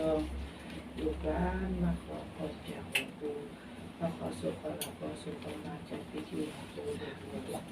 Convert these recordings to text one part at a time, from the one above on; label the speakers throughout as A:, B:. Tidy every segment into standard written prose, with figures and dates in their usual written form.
A: องลูกหลานมาขอพรจากหลวงปู่มาขอสุขขอลาภขอสุขขอลาภจากพิธีหลวงปู่ด้วย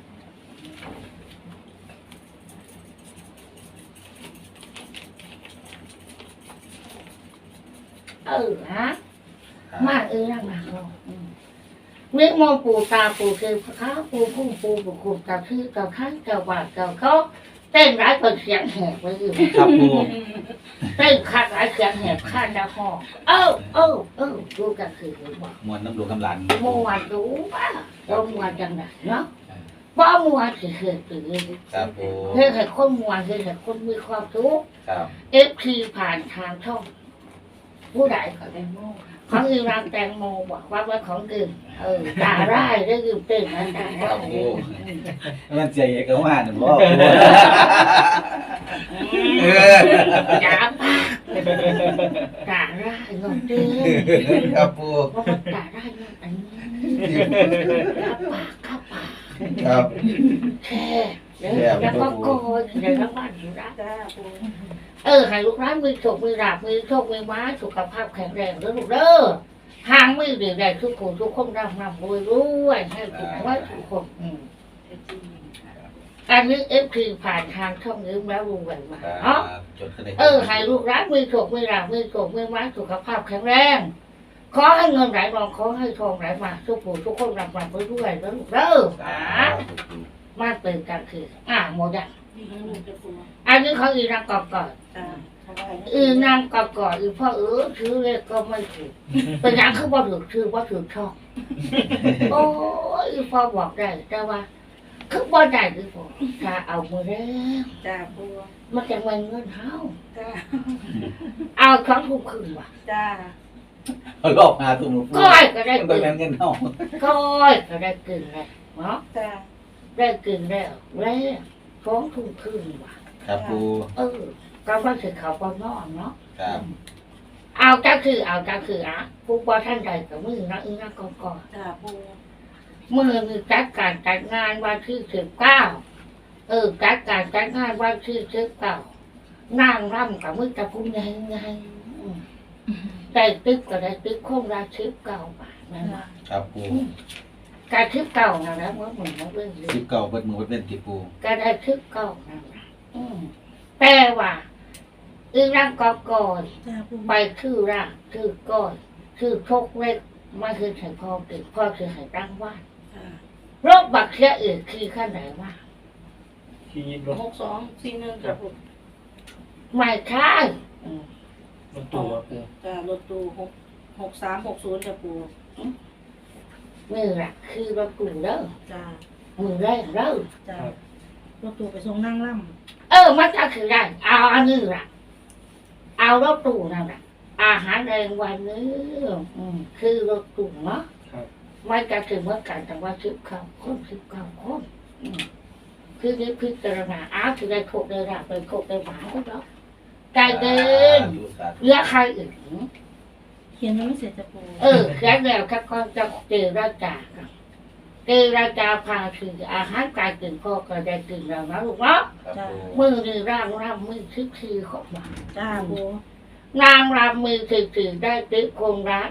A: ฮะมากยังมากเมื่อมองปู่ตาปู่คือข้าปู่พุ่งปู่ปู่ขุดกับคือกับข้างกับว่ากับเขาเต้นร้ายเปิดเสียงแหบไว้อยู่
B: ครับปู
A: เต้นขาดร้ายเสียงแหบข้างดาวหอดูกันคือบอก
B: มวนน้ำหลวงน้ำหลาน
A: มวนดูป่ะเรามวนจังไหนเนาะมบ่มัวคือคือ
B: ครับปู
A: เพื่อให้คนมัวคือให้คนมีความสุข
B: ครับ
A: FP ผ่านทางช่องผู้ใดก็ได้โม่ของอีรางแตงโมบอกว่าว่าของอื่นด่าร้ายได้ยืมเต้นนะด่า
B: ครั
A: ร้า
B: บ
A: ย
B: ปูมันใจเอกว่าหนึ่งบ่ปูเออ
A: ด่าปากด่าร้ายงงเต้น
B: ครับปู
A: ว่ามันด่าร้ายงงอันนี้ด่าปากข้าปาก
B: ครับ
A: แค่แล้วก็โกยในทั้งบ้านอยู่ร้าน
C: จ้าปู
A: ให้ลูกร้านมีโชคมีลาภมีโชคมีม้าสุขภาพแข็งแรงแล้วลูกเด้อทางไม่ดีได้ทุกคนทุกคนร่ำรวยรวยให้ทุกคนทุกคนอันนี้FPผ่านทางช่องนี้แล้วรู้ไว้มา
B: ครั
A: เนาะ
B: บจดขึ้นได้
A: ให้ลูกร้านมีโชคมีลาภมีโชคมีม้าสุขภาพแข็งแรงขอให้เงินไหลมาขอให้ทองไหลมาทุกคนทุกคนร่ำรวยรวยแล้วลูกเด้อมาเติมกันคือหมดอ่ะ
C: จะปู
A: อันนี้เขาอีนางกอบก่อน
C: จ้า
A: นางกอบก่อนพ่อชื่อเลขก็ไม่ถูกเป็นอย่างคือบ่ถูกชื่อบ่ถูกช่องโอ้ยพ่อบอกได้แต่ว่าคือบ่ได้คือพ่อถ้าเอามือแล้ว
C: จ้าปู
A: มันจะไม่เงินเฮา
C: จ้า
A: เอาครั้งทุกคืนว่ะ
C: จ้าร
B: อบหาตุ้มปู
A: ก้อยก็ได้
B: มันก็
A: กิน
B: แม่นเงินเฮา
A: ก้อยก็ได้กินแล้วเนาะ
C: จ้า
A: ได้กินแล้วท้องทุกคืนว่ะ
B: ครับปู
A: ก็ว่าสิเขาบ่นอนเนาะ
B: ครับ
A: เอาก็คือผู้บ่ท่านใดกับมือนะนะก่อน
C: จ้าปู
A: มือมีจัดการจัดงานวันที่19จัดการจัดงานวันที่19นั่งร่ำกับมือตะพุ่งไงได้ติ๊กก็ได้ติ๊กคงละ19 บาทนั่นล่ะ
B: ครับปู
A: การ19นั่นแหละเมื่อเหมือนเรื่องเลย
B: 19เบิดมือเบิดเล่นติปู
A: ก็ได้19นั่นล่ะแต่ว่าอีร่างก่อน
C: จ้าปู
A: ไปชื่อร่างชื่อก้อยชื่อโชคเล็กมาคือใส่พ่อติดพ่อคือให้ตั้งว่าน
C: จ้า
A: โรคบักเสียอื่นคือขั้นไหนว่า
D: ที่รถ
C: 6241จ้าปู
A: ไม่ใช่อืม
D: รถตู้อะปู
C: จ้ารถตู้6360จ้าปู
A: นี่แหละคือรถกลุ่มเด้อ
C: จ้า
A: มือแรกเด้อ
C: จ้ารถตู้ไปส่งนั่งล่ำ
A: มันจะคือได้เอาอันนี้ล่ะเอารถตู้นั่นแหละอาหารแรงวันนี้คือรถตู้เนาะ
D: ครับ
A: ไม่จะถึงเมื่อกันแต่ว่า19 คนคือนี้พิจารณาคือได้โคกได้ราบไปโคกได้หมาก็แล้วใจเดินเหลือใครอื่น
C: เขียนยังไม่เสร็จจ้าปู
A: แค่แล้วถ้าก็จะเจอราจาครับเจอราจาพาคืออาหารกายตื่นพ่อก็ได้ตื่นแล้วนะลูกเนาะ
B: ครับปู
A: มือนี่ร่างมือคือของมา
C: จ้าปู
A: นางรำมือคือได้ติ๊กคงละ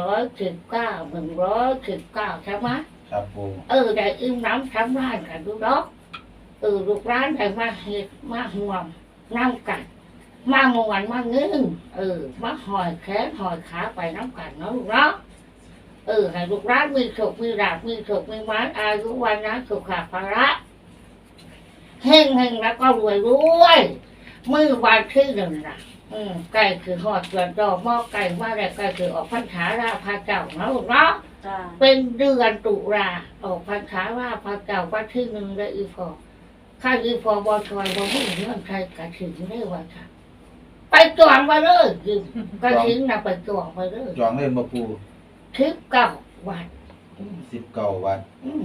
A: 119ใช่ไหม
B: ครับปู
A: ได้อึ้งน้ำทำร้านกันดูดอกลูกร้านได้มาเห็ดมาห่วงน้ำกันมามวนมาเงินมาหอยแขนหอยขาไปน้ำกันเนาะลูกเนาะให้ลูกร้านมีโชคมีลาภมีโชคมีหมานอายุวันนะสุขภาระเฮงแล้วก็รวยมือวันที่หนึ่งนะไก่คือหอดเกลือดอกหม้อไก่มาแล้วไก่คือออกพรรษาราพาเจ้าเนาะลูกเนาะ
C: จ้า
A: เป็นเดือนตุลาออกพรรษาราพาเจ้าวันที่หนึ่งได้อีพอข้าอีพอบอชอยบอหุ่นเงื่อนใครกระถิ่นได้ว่าค่ะไปจองไปเลยกระถิ่นน่ะไปจองไปเลย
B: จองเล่นบ่ปู
A: 19 วัน
B: 19วัด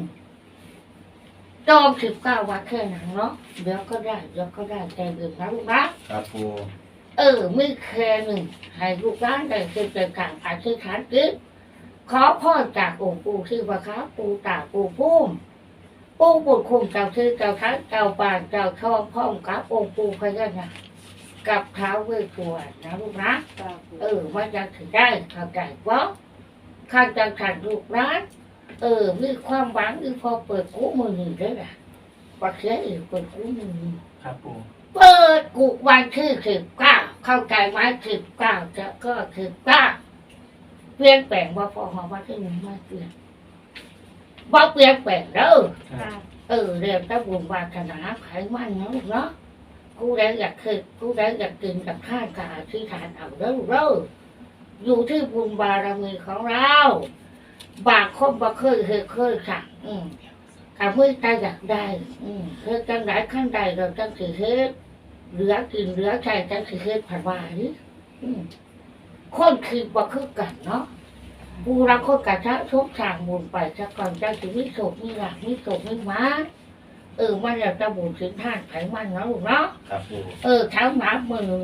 A: จอง19 วันแค่นั้นเนาะเดี๋ยวก็ได้ใจเดินนะลูกนะครับ
B: ปู
A: ไม่แค่หนึ่งให้ลูกร้านได้เกิดเกิดการอธิษฐานจิตขอพรจากองค์ปู่ที่ว่าค้าปู่ตาปู่พุ่มปู่บุญคุ้มเจ้าชื่อเจ้าทัศเจ้าป่านเจ้าช่องพ่อมกับองค์ปู่พญานาคกับเท้าวเวสสุวรรณนะลูกนะ
C: จ้าปู
A: มันจะถึงได้เข้าใจว่าข้าจะขัดลูกร้านมีความหวังพอเปิดกู้มือหนึ่งได้แหละปักเสียอีกเปิดกู้มือหนึ่ง
D: ครับปู
A: เปิดกูวันที่19เข้าใจไหม19จะก็19เปลี่ยนแปลงว่าพอมาวันที่หนึ่งไม่เปลี่ยนว่าเปลี่ยนแปลงเด้อ
C: จ้า
A: เรียนตะบุญวาสนาไขมันเนาะลูกเนาะกูได้อยากคือกูได้อยากกินกับข้าวกาที่ทานเอาเด้อลูกเด้ออยู่ที่บุญบารมีของเราบางคนบ่เคยสั่งกับมือตาอยากได้เฮ็ดจังไดขั้นใดเราจังสิเฮ็ดเหลือกินเหลือใช้จังสิเฮ็ดผ่านว่านี่คนคือบ่คือกันเนาะผู้รักคนกะทะทุกทางบุญไปสักก่อนจังสิมีโศกมีหลักมีโศกมีหมามันอยากจะบุญถึงท่านไขมันเนาะลูกเนาะ
B: ครับปู
A: เท้าหมามือ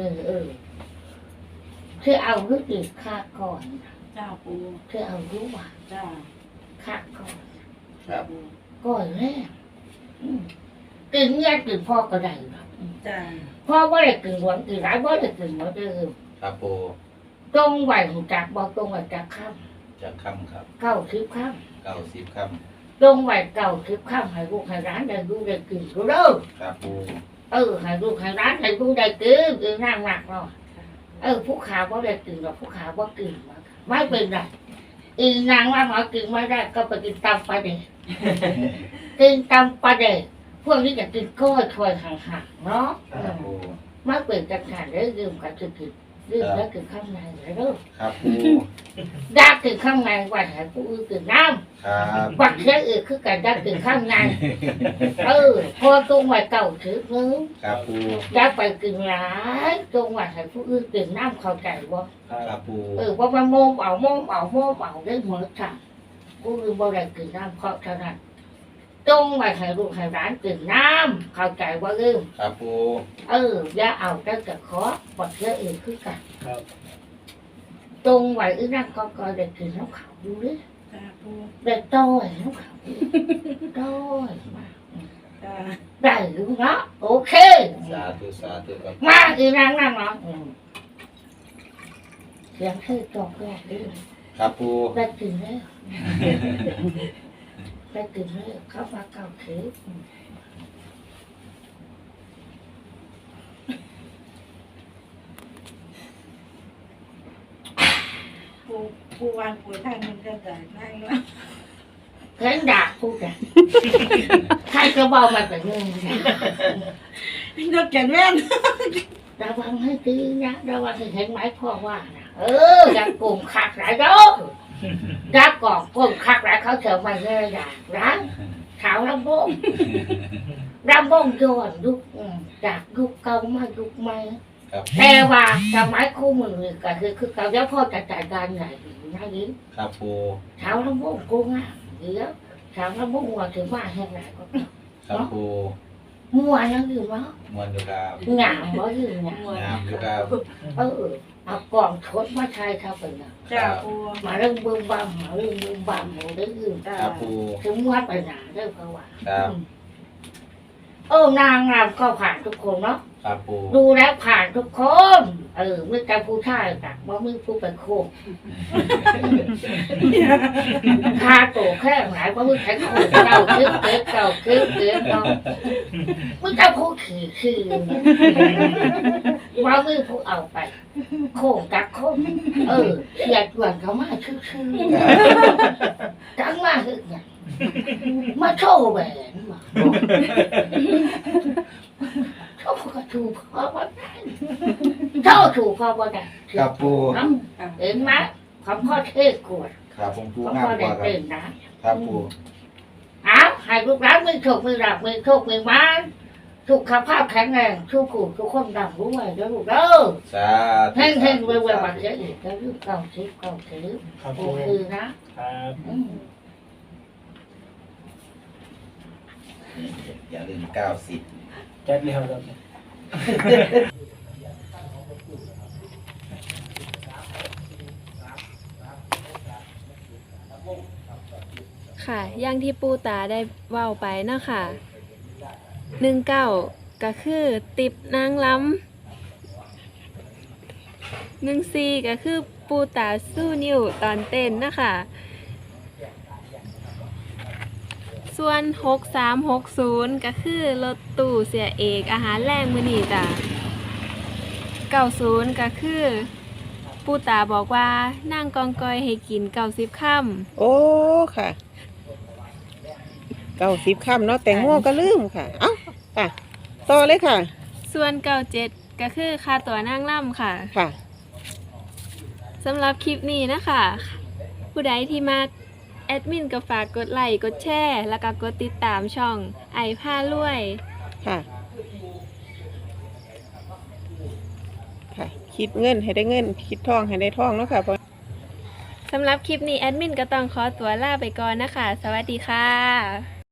A: คือเอาลูกอีกค่าก่อน
C: จ้าปู
A: คือเอาลูกว่า
C: จ้า
A: ค่าก่อน
B: ครับ
A: ก่อนแรกกินเงี้ยกินพ่อก็ได้หรอก
C: จ้า
A: พ่อว่าได้กินหวานกินร้ายว่าได้กินหมดเลย
B: ครับปู
A: ตรงไหวหูจักบอกตรงไหวจักข้าม
B: จะค่ำครับ
A: เก้าสิบข้าม
B: 90ค่
A: ตรงไหวเก้าสิบข้ามให้ลูกให้ร้านได้ดูได้กินก็เด้อ
B: ำครับปู
A: ให้ลูกให้ร้านได้ดูได้กินนั่งหนักเนาะผู้ขาว่าได้กินหรอกผู้ขาว่ากินไม่เป็นไรนางว่าหมอกินไม่ได้ก็ไปกินตำปลาเด็กกินตำปลาเด็กพวกนี้จะกินก้อยถอยห่างๆเนาะ
B: ครับปู
A: มาเปิดจังหันได้ยืมกับจะกินยืมแล้วกินข้างในเลยเด้อ
B: ครับปู
A: ยากกินข้างในว่าให้ผู้อื่นกินน้
B: ครับ
A: ำวัดเสียอื่นคือการยากกินข้างในพอตรงไว้เก่าถือนึง
B: ครับปู
A: ยากไปกินหลายตรงไว้ให้ผู้อื่นกินน้ำเข้าใจบ่
B: ครับปู
A: ว่ามันโมมเอาได้เหมือนกันผู้อื่นบ่ได้กินน้ำเพราะฉะนั้นตรงไว้ให้ลูกให้ร้านกินน้ำเข้าใจว่าลืม
B: ครับปู
A: อย่าเอาแต่จะขอวัดเสียอื่นคือกัน
D: ครับ
A: ตรงไว้นั่งก็ได้กินน้ำขาวดูดิ
C: จ้าปู
A: ได้ต้อยน้ำขาวต้อยมา
C: จ้า
A: ได้หรือเนาะโอเค
B: สาธุครับ
A: มาอีนั่งเนาะเสียงเธอจอกแรกดิ
B: ครับปู
A: ได้กินแล้วได้กินแล้วเข้ามาเก่าถือ
C: ปูวางปูท่านมันก็ได้นั่งแล้ว
A: เห็นด่าพูดอ่ะใครก็บอกมาแต่เรื่องนี้
C: นกแก่นแม่น
A: ระวังให้ดีนะระวังให้เห็นไหมพ่อว่านะอย่ากลุ่มขัดหลายเด้อรักก่อนกลุ่มขัดหลายเขาเสียมาเลยอย่างร้านขาวลำบงย้อนยุคจากยุคเก่ามายุคใหม่
B: ครับ
A: แต่ว่าสมัยคู่มือก็คือเขาจะพ่อจะจัดการใหญ่นะยิ่ง
B: ครับปู
A: ขาวลำบงกูง่ายเดี๋ยวขาวลำบงหัวถึงว่าแห้งไหนก็
B: ครับปู
A: มัวยังอยู่เนาะ
B: มวนอยู่ครับ
A: งามบ่อยู่เนี่ย
B: งามอยู่ครับ
A: เอากล่องทดมาใช้เขาเป็นน่ะ
C: จ้าปู
A: มาเรื่องบึ้มบั่มมาเรื่องบึ้มบั่มหมดได้ยืม
C: จ้า
B: ครับปู
A: ถึงวัดไปหนาได้เพราะว่า
B: ครับ
A: นางงามก็ผ่านทุกคนเนาะ
B: ครับปู
A: ดูแล้วผ่านทุกคนไม่แต่ผู้ชายแต่ว่าไม่ผู้เป็นโคกคาโตแค่ไหนว่าไม่ใช่โคกเก่าคึกเกิดเนาะไม่แต่ผู้ขี่ว่าไม่ผู้เอาไปโคกกับโคกเสียดวนเขามาชื่อจังมาคือไงมาโชว์แหวนมาโชว์กระถูกพอบ่ได้โชว์ถูกพอบ่ได้
B: ครับปู
A: เห็นไหมของพ่อเทศกวด
B: ครับผมปู
A: ของ
B: งาม
A: พ่อก ได้
B: ว่าครับ
A: เต้นนะครับ
B: ปู
A: ให้ลูกหลานมีโชคมีลาภมีโชคมีมันสุขภาพแข็งแรงทุกผู้ทุกคนดังรู้ไว้เด้อลูกเด้อ
B: สาธุ
A: เฮงๆรวยๆบัดเสียอีกแล้วลูกเก่าทิพย์
D: ครับ
A: โอ
D: ปู
A: เคนะ
D: ครับ
B: อย่าลืม90
D: แจ็คเลี้ยวครับ
E: ค่ะอย่างที่ปูตาได้เว้าไปเนาะค่ะ19ก็คือติบนางล้ำ14ก็คือปูตาสู้นิ้วตอนเต้นนะคะส่วน6360ก็คือรถตู้เสียเอกอาหารแรงมื้อนี้จ้ะ90ก็คือปูตาบอกว่านั่งกองกอยให้กิน90ค่ำ
F: โอ้ค่ะ90ค่ำเนาะแต่งโมก็ลืมค่ะ เอ้าค่ะ ต่อเลยค่ะ
E: ส่วน97ก็คือค่าตัวนั่งล่ำค่ะ
F: ค่ะ
E: สำหรับคลิปนี้นะคะ ผู้ใดที่มาแอดมินก็ฝากกดไลค์กดแชร์แล้วก็กดติดตามช่องไอผ้ารวย
F: ค่ะ ค่ะ คิดเงินให้ได้เงิน คิดทองให้ได้ทองเนาะค่ะ
E: สำหรับคลิปนี้แอดมินก็ต้องขอตัวลาไปก่อนนะคะ สวัสดีค่ะ